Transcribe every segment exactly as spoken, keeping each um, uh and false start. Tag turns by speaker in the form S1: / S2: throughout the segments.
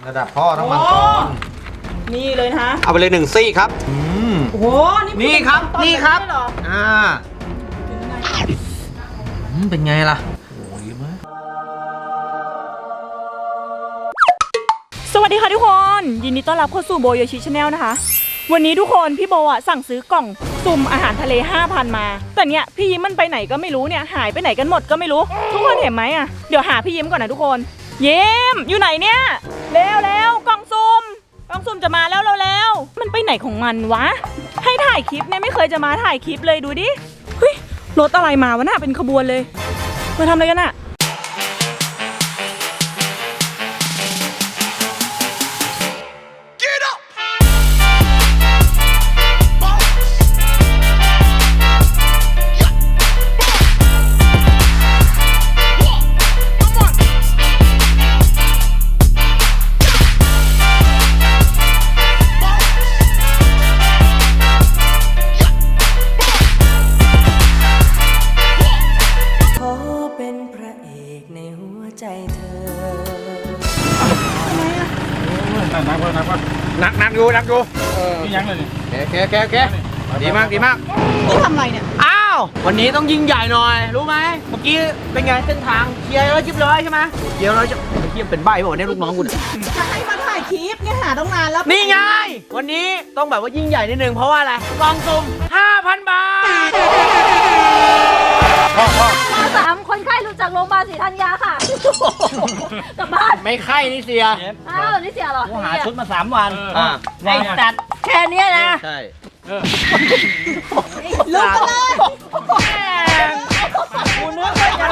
S1: ระดับพ่อต้องมังกร
S2: นี่เลยนะ
S3: เอาไปเลยหนึ่งซี่ครับ
S1: อืม
S2: โอ้โห
S3: นี่ครับนี่ครับอ่า
S1: เป็นไงล่ะโอ้ยมาก
S2: สวัสดีค่ะทุกคนยินดีต้อนรับเข้าสู่โบโยชิชาแนลนะคะวันนี้ทุกคนพี่โบอ่ะสั่งซื้อกล่องสุ่มอาหารทะเล ห้าพัน มาแต่เนี้ยพี่ยิ้มมันไปไหนก็ไม่รู้เนี่ยหายไปไหนกันหมดก็ไม่รู้ทุกคนเห็นไหมอ่ะเดี๋ยวหาพี่ยิ้มก่อนนะทุกคนยิ้มอยู่ไหนเนี่ยเร็วเร็วกล่องสุ่มกล่องสุ่มจะมาแล้วเร็วเร็วมันไปไหนของมันวะให้ถ่ายคลิปเนี่ยไม่เคยจะมาถ่ายคลิปเลยดูดิเฮ้ยรถอะไรมาวะน่ะเป็นขบวนเลยมาทำอะไรกันอ่ะ
S3: นักนักอยู่นักอยู่
S1: นี่ยังเลย
S3: นี่โอเคโอเคโอเคดีมากดีมาก
S2: นี่ทำอะไรเนี่ย
S3: อ้าววันนี้ต้องยิ่งใหญ่หน่อยรู้ไหมเมื่อกี้เป็นไงเส้นทางเคลียร์แล้วจิบเลยใช่ไหมเคลียร์แล้วจะเมื่อกี้เป็นใบ้บอกเนี่ยลูกน้องคุณ
S2: จะให้มาถ่ายคลิปเนี่ยหาต้องนานแล้ว
S3: นี่ไงวันนี้ต้องแบบว่ายิ่งใหญ่นิดนึงเพราะว่าอะไรกล่องสุ่ม ห้าพัน บาท
S4: สามคนไข้รู้จักโรงพยาบาลศรีธัญญาค่ะกลับบ้าน
S3: ไม่ไข้นี่เสีย
S4: อ้าวนี่เสียเหรอ
S1: หาชุดมาสามวัน
S3: ไอ้จัดแค่นี้นะ
S1: ใช่
S2: ลุกกันเลย
S3: กูนึกว่าจะ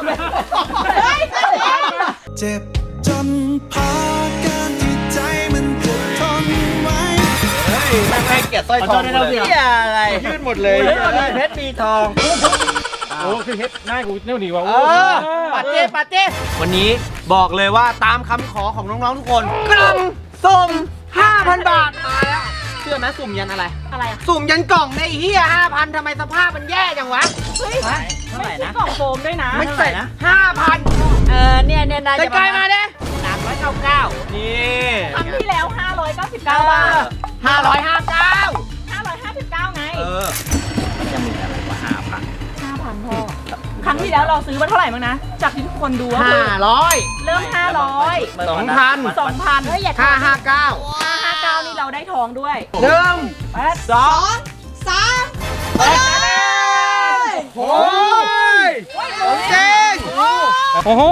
S5: เจ็บจนพอการที่ใจมันจะทนไว้
S3: ไม่ให้เกียรติสร้อยทองเลยอะไรยืดหมดเลยเพชรมีทอง
S1: โอ้คือเพชรหน้ากูเนี่ยดีกว่าโอ้
S3: ปาเต้ปาเต้วันนี้บอกเลยว่าตามคำขอของน้องๆทุกคนกล่องสุ่ม ห้าพัน บาทมาแล้วเชื่อไหมสุ่มยันอะไร
S2: อะไรอะ
S3: สุ่มยันกล่องในเฮีย ห้าพัน ทำไมสภาพมันแย่จังวะ
S2: เฮ้ยไม่ใช่กล่องโฟมด้วยนะ
S3: ไม่ใช่นะ ห้าพัน
S4: เออเนี่ยเนี่ยนะ
S3: จะใกล้มาเด้สามร้อยเก้าสิบเก้านี่
S2: ครั้งที่แล้วห้าร้อยเก้าสิบเก้าบาท
S3: ห้าร้อยห้าสิบเก้า
S2: ห้าร้อยห้าสิบเก้าไง
S3: เออมันจะมีอะไรวะห้าพัน
S2: ห้าพันพ่อครั้งที่แล้วเราซื้อมาเท่าไหร่มั้งนะจากที่ทุกคนดู
S3: ห้าร้อย
S2: เริ่มห้าร้อย
S3: สองพัน
S2: สองพัน
S3: ห้าห้าเก้า
S2: ห้าห้าเก้านี่เราได้ทองด้วย
S3: หนึ่งสอง
S2: สาม
S3: โอ้ยโอเค
S1: โอ้โห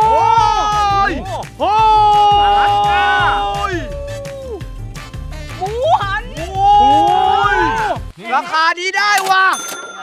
S3: โอ้ย
S2: หมูหัน
S3: ราคาดีได้ว่ะ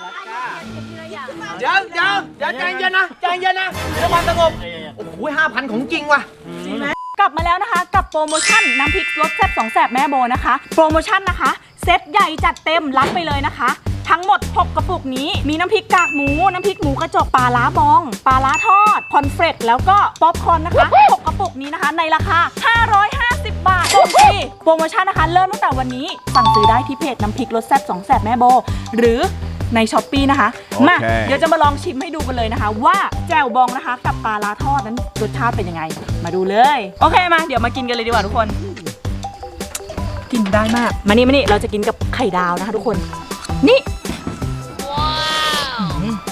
S3: เดี๋ยวเดี๋ยวเดี๋ยวใจเย็นนะใจเย็นนะเดี๋ยวความสงบโอ้โหห้าพันของจริงว่ะ
S2: จริงไหมกลับมาแล้วนะคะกับโปรโมชั่นน้ำพริกรสแซ่บสองแซ่บแม่โบนะคะโปรโมชั่นนะคะเซตใหญ่จัดเต็มรับไปเลยนะคะทั้งหมดหกกระปุกนี้มีน้ำพริกกากหมูน้ำพริกหมูกระจกปลาล้าบองปลาล้าทอดคอนเฟรชแล้วก็ป๊อปคอร์นนะคะหกกระปุกนี้นะคะในราคาห้าร้อยห้าสิบบาทส่งฟรีโปรโมชั่นนะคะเริ่มตั้งแต่วันนี้สั่งซื้อได้ที่เพจน้ำพริกรสแซ่บสองแซ่บแม่โบหรือในช้อปปี้นะคะ okay. มาเดี๋ยวจะมาลองชิมให้ดูกันเลยนะคะว่าแจ่วบองนะคะกับปลาล้าทอดนั้นรสชาติเป็นยังไงมาดูเลยโอเคมาเดี๋ยวมากินกันเลยดีกว่าทุกคนกินได้มากมานี่มานี่เราจะกินกับไข่ดาวนะคะทุกคนนี่ว้าว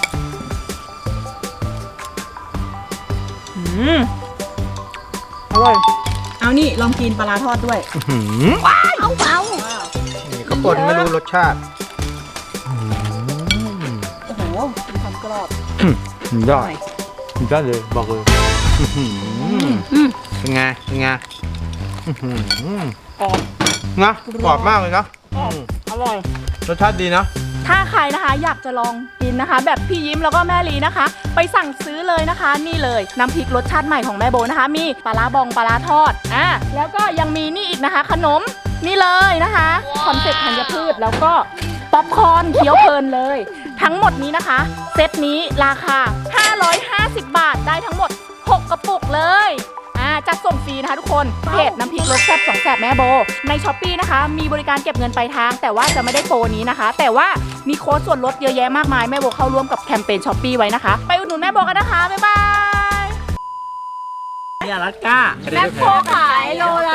S2: อืมอร่อยเอานี่ลองกินปลาล้าทอดด้วย
S3: ว้าว
S4: เอาเบา
S3: นี่เขาป่นไม่รู้รสชาติ
S2: โอ้โหมีความกรอบ
S1: ได้ได้เลยบอกเลย
S3: เป็นไงเป็นไง
S2: กรอบ
S3: นะกรอบมากเลยนะ
S2: อร่อย
S3: รสชาติดีนะ
S2: ถ้าใครนะคะอยากจะลองกินนะคะแบบพี่ยิ้มแล้วก็แม่ลีนะคะไปสั่งซื้อเลยนะคะนี่เลยน้ำพริกรสชาติใหม่ของแม่โบนะคะมีปลาร้าบองปลาร้าทอดอ่ะแล้วก็ยังมีนี่อีกนะคะขนมนี่เลยนะคะคอนเซ็ปต์ธัญพืชแล้วก็ป๊อปคอร์นเคี้ยวเพลินเลยทั้งหมดนี้นะคะเซตนี้ราคาห้าร้อยห้าสิบบาทได้ทั้งหมดหกกระปุกเลยอ่าจัดส่งฟรีนะคะทุกคนเพจน้ำพริกรสแซ่บสองแซ่บแม่โบในช้อปปี้นะคะมีบริการเก็บเงินปลายทางแต่ว่าจะไม่ได้โปรนี้นะคะแต่ว่ามีโค้ดส่วนลดเยอะแยะมากมายแม่โบเข้าร่วมกับแคมเปญช้อปปี้ไว้นะคะไปอุดหนุนแม่โบกันนะคะบ๊ายบาย
S3: นี่อลาสก้า
S4: แม่โบขายโลล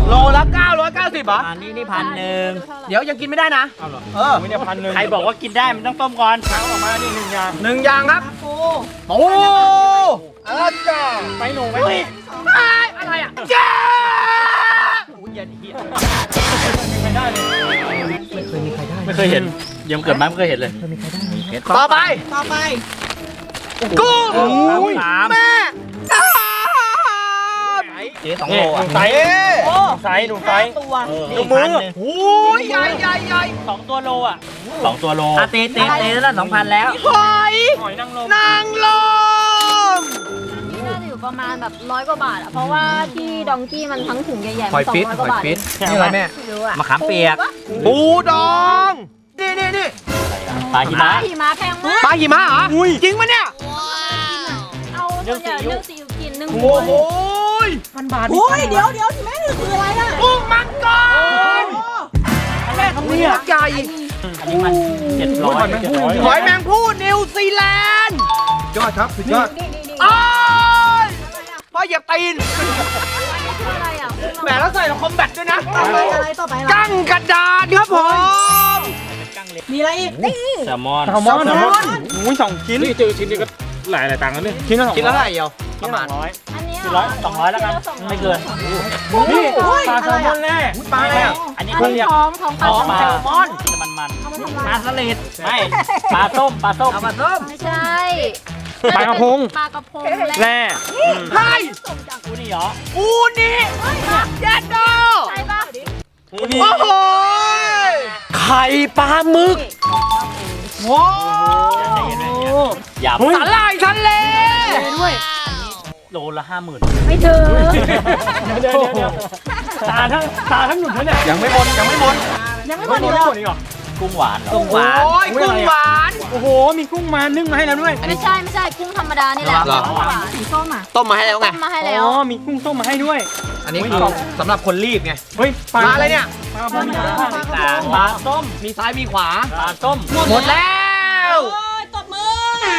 S3: โลละเก้าร้อยเก้าสิบเหรอ
S6: อันนี้นี่พันหนึ่ง
S3: เดี๋ยวยังกินไม่ได้นะ
S1: เอาเหรอ
S3: เออ
S1: ไม่ได้พันหนึ่ง
S6: ใครบอกว่ากินได้มันต้องต้มก่อน
S1: เอาออกมาดิหนึ่งอย่าง
S3: หนึ่งอย่างครับ
S2: ปู
S3: โอ้อาจ้า
S1: ไปหนูไป
S3: เฮ้ยอะไรอ่ะจ้า
S6: อุ้ยเย็นเฮีย
S1: ไม่ได้เลย
S6: ไม่เคยเห็นยังเกิดมาไม่เคยเห็นเลย
S3: ต่อไป
S2: ต่อไป
S3: กุ้ง
S6: สาม
S3: แม่
S6: เจ๊สอง
S1: นี่
S6: โล
S1: ห
S6: อ่ะ
S1: นูไซส์
S2: โอ้
S1: ไซส์หนูไซส์
S2: ตัว
S6: ดูมือ
S3: โอ้ยใหญ่ใหญ่ใหญ่
S6: สองตัวโลอ่ะสองตัวโลอ่ะตีตีตีแล้วสองพันแล้ว
S3: หอย
S1: หอยนางรม
S3: นางลม
S4: นี่น่าจะอยู่ประมาณแบบร้อยกว่าบาทอะเพราะว่าที่ดองกี้มันทั้งถุงใหญ่ๆ
S3: ห
S4: มั
S3: อย
S4: นสอง
S3: ฟิต
S4: ร้อย
S3: ห
S4: กว่า
S3: อย
S4: บาท
S3: ฟิตนี่อะไรแม่
S4: ไม่รู้อะ
S6: มะขามเปียก
S3: ปูดอง นี่นี่นี่
S6: ปลาหิ
S4: ปลาม
S6: ะ
S4: หิมะแพงมาก
S3: ปลาหิมะเหรอจริงปะเนี่ย
S4: เอาส่วนใหญ่เรื่องซีอิ๊วกินนึ่ง
S3: โอ้โห
S1: พันบาท
S2: โอ้ยเดี๋ยวเดี๋ยวที่แม่ถือคืออะไรอ่ะ
S3: กุ้งมังกร
S1: แม่ทำเนี่ย
S3: ใหญ่
S6: อันนี้มันเจ็ดร้อย
S1: เจ็ดร้อย
S3: หอยแมงผู้นิวซีแลนด์ยอดครับสุดยอด
S4: นี่นี่นี่
S3: อ้ายพ่อเหยียบตีน
S4: อะไรอะ
S3: แหมแล้วใส่คอมแบทด้วยนะ
S2: ต่อไปอะไรต่อไปอะไร
S3: กั้งกระดานครับผม
S2: มีอะไรอีก
S6: แซลมอน
S1: แซลมอนแซลมอนอุ้ยสองชิ้นนี่เจอชิ้นนี้ก็หลายหลายตังค์แล้วเนี่ยชิ้นละสอง
S3: กินแล้วเท่าไหร่เดียว
S1: ประมาณร้อย
S4: อันนี้
S6: ร้อยสองร้อยแล้วกันไม่เกิน
S1: นี่ปลาแซลมอนแน่
S3: ปลาอะไรอ่ะ
S6: อันนี้
S4: อัน
S6: เขา
S4: นี้
S6: เรียก
S4: ท้องท้องปลา
S6: ท้อง
S4: แซ
S6: แซ
S4: ล
S6: ล
S4: ม
S6: ม
S4: อ
S6: อน นมันมัน
S4: เอามาทำ
S6: ป
S4: อะไร
S6: ลาสลิดไม่ปลาส้มปลาส้ม
S3: เอามาส้ม
S4: ไม่ใช่
S1: ปลากระพง
S4: ปลากระพง
S1: แร่
S3: ไข่
S6: กูนี่เหรอ
S3: อูนี่เจ็ดโด
S4: ใช่ปะ
S6: กูนี่
S3: โอ้โหไข่ปลาหมึกโอ้
S6: อย่า
S3: สาหร่ายทะเล
S1: ด้วย
S6: โลละห้าหมื่น
S4: ไม่ถึง
S1: เดี๋ยวเดี๋ยวเดี๋ยวตาทั้งตาทั้งหนุนแล้วเนี่ย
S3: ยังไม่หมดยังไม่หมด
S2: ยังไม่
S1: ไม่
S2: หมด
S1: หม
S2: อี
S1: ด
S2: ก
S1: ไม่
S2: เหรอ
S1: หมดอีกเหรอ
S6: กุ้งหวาน
S3: กุ้งหวานโอ้ยกุ้งหวาน
S1: โอ้โหมีกุ้งมานึ่งมาให้แล้วด้วย
S4: ไม่ใช่ไม่ใช่กุ้งธรรมดานี่แหละ
S3: เหรอ
S4: กุ้งหวาน
S2: สีส้มอ่ะ
S3: ต้มมาให้แล้วไง
S4: ต้มมาให้
S1: อ๋
S4: แล้ว
S1: อมีกุ้งต้มมาให้ด้วย
S3: อันนี้คือสำหรับคนรีบไง
S1: เฮ้ยปลา
S3: มาอะไรเนี่ย
S1: ปลากระพง
S6: ปลาปลาส้ม
S3: มีซ้ายมีขวา
S6: ปลาส้ม
S3: หมดแล้ว
S2: โอ้ยตบมือ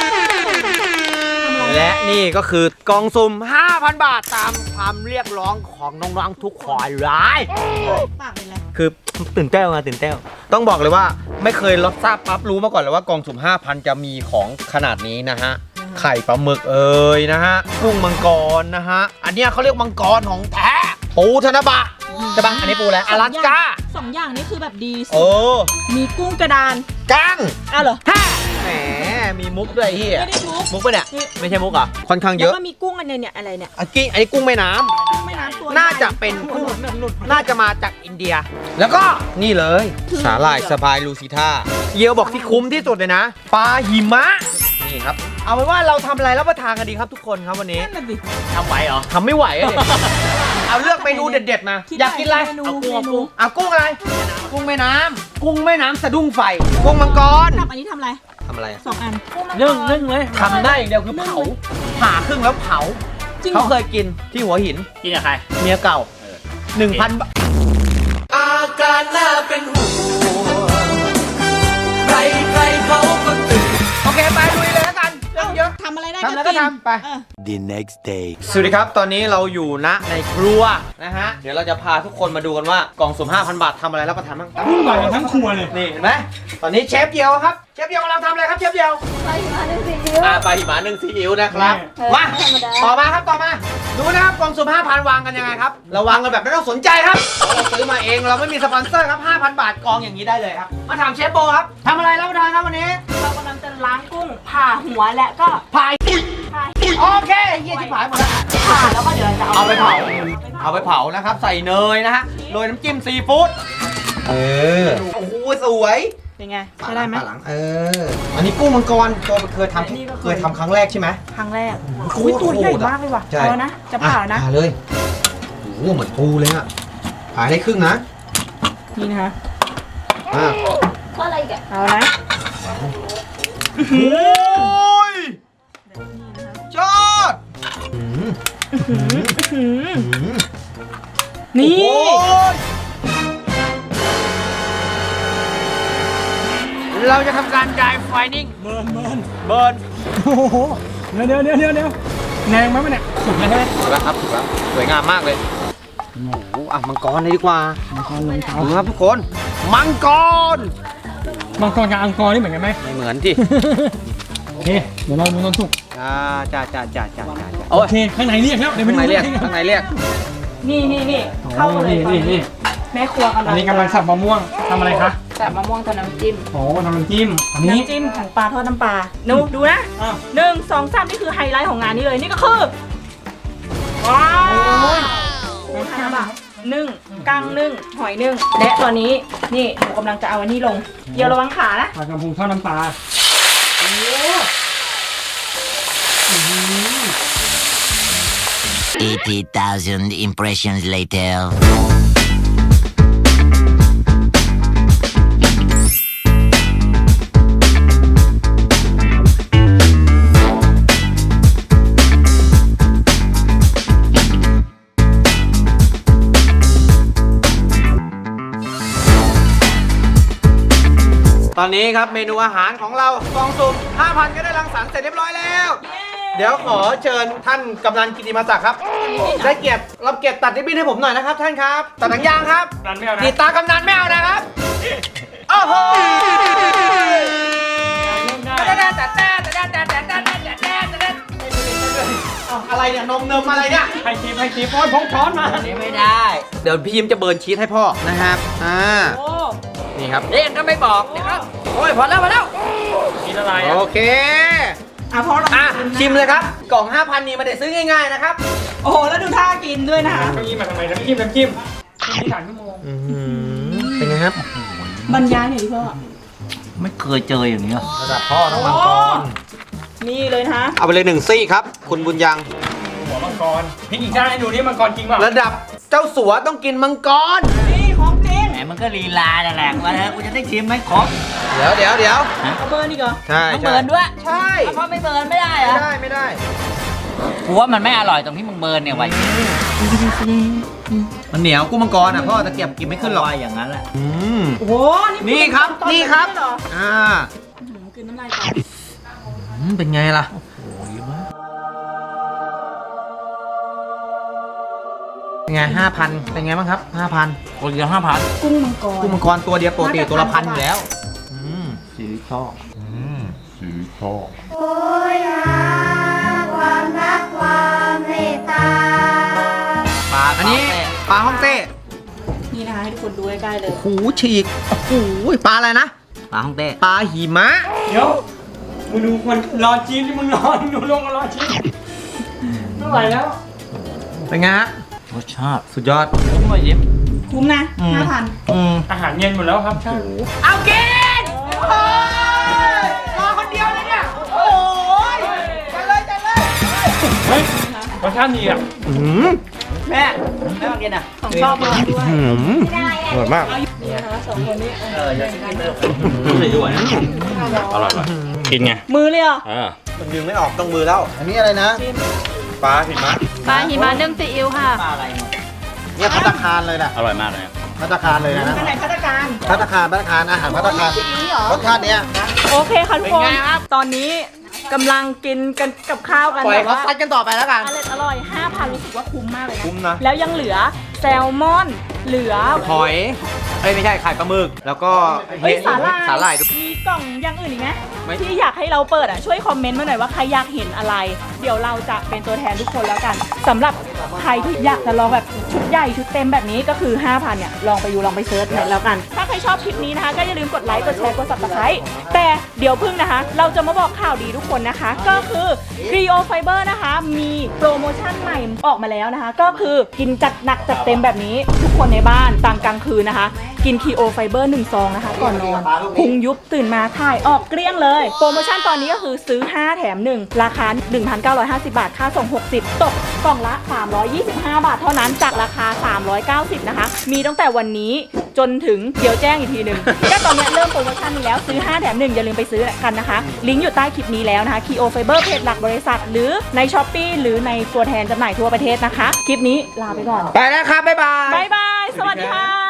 S3: และนี่ก็คือกล่องสุ่ม ห้าพัน บาทตามความเรียกร้องของน้องๆทุกคนร้าย
S2: ปากเป็นไร
S3: คือตื่นเต้นไงตื่นเต้นต้องบอกเลยว่าไม่เคยรับทราบปั๊บรู้มาก่อนเลยว่ากล่องสุ่ม ห้าพัน จะมีของขนาดนี้นะฮะ ไข่ปลาหมึกเอ่ยนะฮะ กุ้งมังกรนะฮะ อันเนี้ยเขาเรียกมังกรของแท้ ปูธนบะใช่ปะอันนี้ปูแล้วอลาสก้า
S2: สองอย่างนี้คือแบบดีสุ
S3: โอ้
S2: ดมีกุ้งกระดาน
S3: กั้ง
S2: อ้าวเหรอ
S3: ฮ่าแหมมีมุกด้วยเฮีย
S2: ไม่ได้ทุก
S3: มุกปะเนี่ยไม่ใช่มุกเหรอค่อนข้างเย
S2: แล้ว
S3: อะ
S2: ก็มีกุ้งอันเนี้ยเนี่ยอะไรเนี่ย
S3: อันนี้อันนี้กุ้งแม่น้ำ
S2: กุ้งแม่น้ำตัว
S3: น่าจะเป็นกุ้งน่าจะมาจากอินเดีย แล้วก็นี่เลยสาหร่ายสบายลูซิท่าเยียวบอกที่คุ้มที่สุดเลยนะปลาหิมะนี่ครับ เอาเป็นว่าเราทำอะไรรับประทานกันดีครับทุกคนครับวันนี้
S2: นั่นน่ะสิ
S6: ทำไหวเหรอ
S3: ทำไม่ไหวอะเด็เอาเลือกเมนูเด็ดๆมา
S2: คิด
S3: อยากกินอะไร
S2: เมนู
S3: เอากุ้ง
S2: เมนู
S3: เอากุ้งอะไรกุ้งแม่น้ำกุ้งแม่น้ำสะดุ้งไฟกุ้งมังกร
S2: กับอันนี้ทำอะไร
S3: ทำอะไรอะ
S2: สองอัน
S1: นึ่งนึ่งเลย
S3: ทำได้อย่างเดียวคือเผาผ่าครึ่งแล้วเผา
S2: จริงเหร
S3: เขา
S2: อ
S3: เคยกินที่หัวหิน
S6: กินกับใคร
S3: เมียเก่าหนึ่งพันบาทอาการน่าเป็นห่วงใครใครเขาก็ตื่นโอเคไปลุยเลยแล้วกันเรื่องเยอะ
S2: ทำอะไรได้
S3: ทำแล้วก็
S2: น
S3: ทำไป
S2: เออ
S5: The next day
S3: สวัสดีครับ ตอนนี้เราอยู่ณในครัวนะฮะ เดี๋ยวเราจะพาทุกคนมาดูกันว่ากล่องสุ่ม ห้าพัน บาททำอะไรรับประทานบ้าง
S1: กุ้งหวานกันทั้งครัวเลย
S3: นี่เห็นไหมตอนนี้เชฟเดียวครับ เชฟเดียวกำลังทำอะไรครับเชฟเดียว
S4: ปลาหิมะนึ่งซีอิ๊ว
S3: อ่าปลาหิมะนึ่งซีอิ๊วนะครับ
S4: เออ
S3: มา
S4: ธรรมดา
S3: ต่อมาครับต่อมาดูนะครับกล่องสุ่ม ห้าพัน วางกันยังไงครับเราวางกันแบบไม่ต้องสนใจครับเราซื้อมาเองเราไม่มีสปอนเซอร์ครับ ห้าพัน บาทกองอย่างนี้ได้เลยครับมาถามเชฟโบครับทำอะไรรับประทานครับวันนี้
S2: เรากำลังจะล้างกุ้งผ่าหัวและก็
S3: พายโอเคเฮียชิบหายหมดแล้ว
S2: ผ่าแล้วก็เดี๋ยวเราจะเอา
S3: เอาไปเผาเอาไปเผานะครับใส่เนยนะฮะโรยน้ำจิ้มซีฟู้ดเออโอ้โหสวย
S2: เป็นไงใช้ได้ไหม
S3: ปลาหลังเอออันนี้กุ้งมังกรตัวเคยท
S2: อันนี้ก็
S3: ำ
S2: เค
S3: เค
S2: ย
S3: ยทำครั้งแรกใช่ไหม
S2: ครั้งแรก
S3: โคตร
S2: อุ้ยตัวใหญ่
S3: โหดอะ
S2: มากเลยว่ะ
S3: ใช่
S2: เอาแล้วนะจะผ่าแล้วนะ
S3: ผ่าเลยโอ้โหเหมือนปูเลยอะผ่าได้ครึ่งนะ
S2: นี่นะคะ
S3: อ่ะ
S4: ก็อะไรอีกอะ
S2: เอานะ
S3: โอ้ยยอดอืม
S2: หืม
S3: อืม
S2: นี่
S3: โอ้ยเราจะทำการดายไฟนิ่ง
S1: เบิร์นเบิร์น
S3: เบิร์น
S1: โอ้โหเดี๋ยวเดี๋ยวเดี๋ยวเดี๋ยวแนงไหมมันเนี่ยสุดเลยใช่ไหม
S3: ถูกแล้วครับถูกแล้วสวยงามมากเลย
S1: โอ้โห
S3: อ่ะมังกรเลยดีกว่า
S1: มังกรลงเท้า
S3: ดูครับทุกคน มังกร
S1: มังกรกับอังกอร์นี่เหมือนกันไหม
S3: ไม่เหมือนที่
S1: โอเคเดี๋ยวเราดูต้นสุก
S3: จ้าจ้าจ้าจ้าจ้าจ้า
S1: โอเคข้างในเรียกแล้วเดี๋ยวไป
S3: ข้าง
S1: ดู
S3: ในเรียก
S1: ข้างใน
S3: ข้างในเรียก
S2: นี่นี่นี่เข้ามาเลย
S1: นี่นี่
S2: แม่ครัวกำลั
S1: อั
S2: ง
S1: นนี้กำลังสับมะม่วงทำอะไรคะ
S4: แต่มะม่วงกับน้ำจิ้ม
S1: โอ้ทำน้ำจิ้มอันนี้
S2: น้ำจิ้มของปลาทอดน้ำปลาดูดูนะ
S1: อ้าว
S2: หนึ่งสองสามนี่คือไฮไลท์ของงานนี้เลยนี่ก็คือว้าวหมูทาบะนึ่งกั้งนึ่งหอยนึ่งและตอนนี้นี่หนูกำลังจะเอาอันนี้ลงเดี๋ยวระวังขานะ
S1: ปลากระพงทอดน้ำปลา
S7: eighty thousand impressions later.
S3: ตอนนี้ครับเมนูอาหารของเรากล่องสุ่ม ห้าพัน ก็ได้รังสรรค์เสร็จเรียบร้อยแล้ว เดี๋ยวขอเชิญท่านกำนันกิติมาศักดิ์ครับ ได้เกียรติรับเกียรติตัดริบบิ้นให้ผมหน่อยนะครับท่านครับ ตัดหนังยางครับ
S1: ดันไม่เอานะ
S3: กีตากำนันไม่เอานะครับ โอ้โหเอาอะไรเนี่ยนมเนมอะไรเนี่ย
S1: ให้ทีให้ทีโอ้ยพงช้อนมา
S3: นี่ไม่ได้ เดี๋ยวพี่ยิ้มจะเบิร์นชีสให้พ่อนะครับอ่า
S2: โอ้
S3: นี่ครับเด็กก็ไม่บอกนะครับโอ้ยพอแล้วพอแล้ว
S1: กินอะไร
S3: โอ
S1: อ่ะ
S3: เค
S2: อ่ะพอเรา
S3: อ่ะชิมเลยครับ กล่อง ห้าพัน นี่ไมาได้ซื้อง่ายๆนะครับ
S2: โอ้โหแล้วดูท่ากินด้วยนะคะ
S1: เก้าอี้มาทำไมน้ำจิ้มน้ำจิ้มที่สามชั่วโมง
S3: เป็นไงครับ
S2: บรรยายหน่อยดิพ่อ
S6: ไม่เคยเจออย่างนี้ย
S3: ระดับพ่อต้องมังกร
S2: นี่เลยนะคะ
S3: เอาไปเลยหนึ่งซี่ครับ คุณบุญยัง
S1: หัวมังกรพริกอีกด้านให้ดูนี่มังกรจริงเปล่า
S3: ระดับเจ้าสัวต้องกินมังกร
S2: นี่ของจริง
S6: แหมมันก็ลีลานั่นแหละว่าเธอกูจะได้ชิมไหมครบ
S3: เดี๋ยวเดี๋ยวเดี๋ยว
S2: เอาเบอร์นี่ก่อน
S3: ใช่
S6: ต้อง
S3: ใช่
S6: เบิร์นด้วย
S3: ใช่
S6: เพราะไม่เบิร์นไม่ได้เหร
S3: ไม่
S6: อะ
S3: ได้ไม่ได้
S6: กูว่ามันไม่อร่อยตรงที่มึงเบิร์นเนี่ยไว้
S3: มันเหนียวกุ้งมังกรอ่ะพ่อตะเกียบกินไม่ขึ้นหรอก
S6: ว่าอย่างนั้นแหละ
S3: อืม
S2: โอ้โห
S3: นี่ครับ
S2: ตอ
S3: นี่ครับ
S2: เลยเหอ
S3: อ่า
S2: อื้อหือกินน้ำลายก่อน
S3: อืมเป็นไงล่ะเป็นไงห้าพันเป็นไงบ้างครับห้าพัน
S6: คนเดียวห้าพัน
S2: กุ้งมังกร
S3: กุ้งมังกรตัวเดียวปกติตัวละพันอยู่แล้วอืม
S6: สีชอบ
S4: โอ้ยหาความรักความเมตตา
S6: ปลา
S3: อันนี้ปลาฮ่องเต้
S2: นี่นะคะให้ทุกคนดูใกล้ๆเลย
S3: หูฉีกโอ้โหปลาอะไรนะ
S6: ปลาฮ่องเต้
S3: ปลาหิมะ
S1: เดี๋ยวมึงดูคนรอจีนที่มึงรอดูลงมารอจีนไม่ไหวแล้ว
S3: เป็นไงฮะ
S6: รสชาติ
S3: สุดยอด
S6: คุ้มเลยยิ้ม
S2: คุ้มนะ
S6: อืม
S2: ห้าพัน
S6: อืม
S1: อาหารเย็นหมดแล้วครับใช่
S3: เอากินโอ้ยรอคนเดียวเลยเนี่ยโอ้ยจัดเลยจัดเลย
S1: เฮ้ยรสชาติดีอ่ะ
S3: อืม
S6: แม่แม่มากินอ่ะ
S2: ของชอบมากด้วย
S3: อืมอร่อยมาก
S2: นี่นะคะสองคนนี้
S6: เออจะกินเลยด้วยนะ
S1: อร่อยเลยกินไง
S2: มือเลยเหรอ
S1: เออ
S3: มันดึงไม่ออกต้องมือแล้ว อันนี้อะไรนะ ปลาหิมะ
S4: ปลาหิมะนึ่งซีอิ๊วค่ะ
S6: ปลาอะไรเนี่ย
S3: เนี่ยพัตตาคารเลยนะ
S1: อร่อยมากเลย
S3: พัตตาคารเลยนะ
S2: อันไหนพัฒการ
S3: พัตตาคารพัตตาคารอาหารพัตตาคารรสชาติเนี้ย
S2: โอเคค่ะทุกคน ตอนนี้กำลังกินกันกับข้าวกัน
S3: ปล่อย
S2: แบบ
S3: เขา
S2: ว่า
S3: ซัดกันต่อไปแล้วกัน
S2: อร่อยอร่อยห้าพันรู้สึกว่าคุ้มมากเลยนะ
S3: คุ้มนะ
S2: แล้วยังเหลือแซลมอน เหลือ
S3: หอยเอ้ยไม่ใช่ไข่ปลาหมึก แล้วก็
S2: เฮ้ยสาหร่าย
S3: สาหร่ายด้วย
S2: มีกล่องอย่างอื่นอีกไหม
S3: ไม่
S2: ที่อยากให้เราเปิดอ่ะช่วยคอมเมนต์มาหน่อยว่าใครอยากเห็นอะไร เดี๋ยวเราจะเป็นตัวแทนทุกคนแล้วกันสำหรับใครที่อยากจะลองแบบชุดใหญ่ชุดเต็มแบบนี้ก็คือ ห้าพัน เนี่ยลองไปดูลองไปเซิร์ชหน่อยแล้วกัน ถ้าใครชอบคลิปนี้นะคะ ก็อย่าลืมกดไลค์กดแชร์กด ซับสไครบ์ แต่เดี๋ยวพึ่งนะคะ เราจะมาบอกข่าวดีทุกคนนะคะ ก็คือ Rio Fiber นะคะ มีโปรโมชั่นใหม่ออกมาแล้วนะคะ ก็คือกินจัดหนักจัดเต็มแบบนี้ทุกคนในบ้านตามกลางคืนนะคะ กิน Rio Fiber หนึ่งซองนะคะก่อนนอนพุงยุบตื่นมาถ่ายออกเกลี้ยงเลยโปรโมชั่นตอนนี้ก็คือซื้อห้าแถมหนึ่งราคา หนึ่งพันเก้าร้อยห้าสิบ บาทค่าส่งหกสิบตกกล่องละสามร้อยยี่สิบห้าบาทเท่านั้นจากราคาสามร้อยเก้าสิบนะคะมีตั้งแต่วันนี้จนถึงเดี๋ยวแจ้งอีกทีหนึ่ง ก็ตอนนี้เริ่มโปรโมชั่นนี้แล้วซื้อห้าแถมหนึ่งอย่าลืมไปซื้อกันนะคะลิงก์อยู่ใต้คลิปนี้แล้วนะคะ Rio Fiber เพจหลักบริษัทหรือใน Shopee หรือในตัวแทนจำหน่ายทั่วประเทศนะคะคลิปนี้ลาไปก่อน
S3: ไปแล้วครับ บ๊ายบาย
S2: บ๊ายบายสวัสดีค่ะ